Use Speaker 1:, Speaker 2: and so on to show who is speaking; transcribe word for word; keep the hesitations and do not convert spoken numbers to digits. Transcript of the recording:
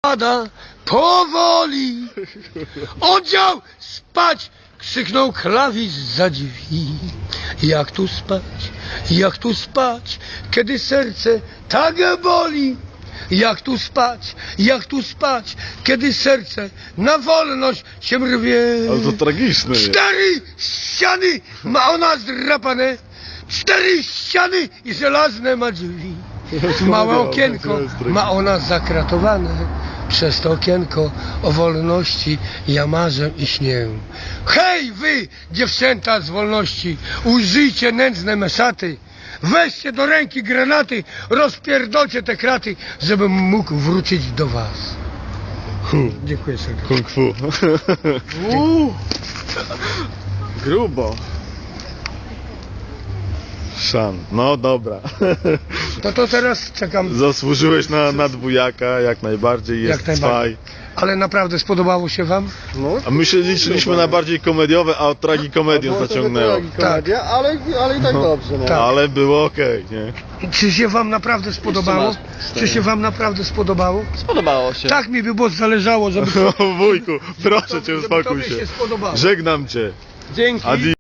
Speaker 1: pada powoli. Oddział spać! Krzyknął klawisz za drzwi. Jak tu spać, jak tu spać, kiedy serce tak boli. Jak tu spać, jak tu spać, kiedy serce na wolność się rwie.
Speaker 2: Ale to tragiczne jest.
Speaker 1: Cztery ściany ma ona zdrapane, cztery ściany i żelazne ma drzwi. Małe okienko ma ona zakratowane. Przez to okienko o wolności ja marzę i śnię. Hej wy, dziewczęta z wolności, użyjcie nędzne meszaty. Weźcie do ręki granaty, rozpierdolcie te kraty, żebym mógł wrócić do was. Dziękuję serdecznie.
Speaker 2: Kung fu.
Speaker 3: Uuu. Grubo.
Speaker 2: Szan. No dobra.
Speaker 1: To to teraz czekam.
Speaker 2: Zasłużyłeś na, na dwójaka, jak najbardziej, jest
Speaker 1: Jak najbardziej.
Speaker 2: cwaj.
Speaker 1: Ale naprawdę spodobało się wam?
Speaker 3: No,
Speaker 2: A my się liczyliśmy na bardziej komediowe, a od tragikomedią
Speaker 3: było to
Speaker 2: zaciągnęło.
Speaker 3: tragikomedia, ale, ale i tak dobrze. No.
Speaker 1: Tak.
Speaker 2: Ale było okej, nie?
Speaker 1: Czy się wam naprawdę spodobało?
Speaker 3: Jeszcze masz
Speaker 1: Czy się wam naprawdę spodobało?
Speaker 3: Spodobało się.
Speaker 1: Tak mi by było zależało, żeby,
Speaker 2: O wujku, proszę cię,
Speaker 1: żeby
Speaker 2: uspokój
Speaker 1: tobie
Speaker 2: się.
Speaker 1: się spodobało.
Speaker 2: Żegnam cię.
Speaker 3: Dzięki.
Speaker 2: Adi.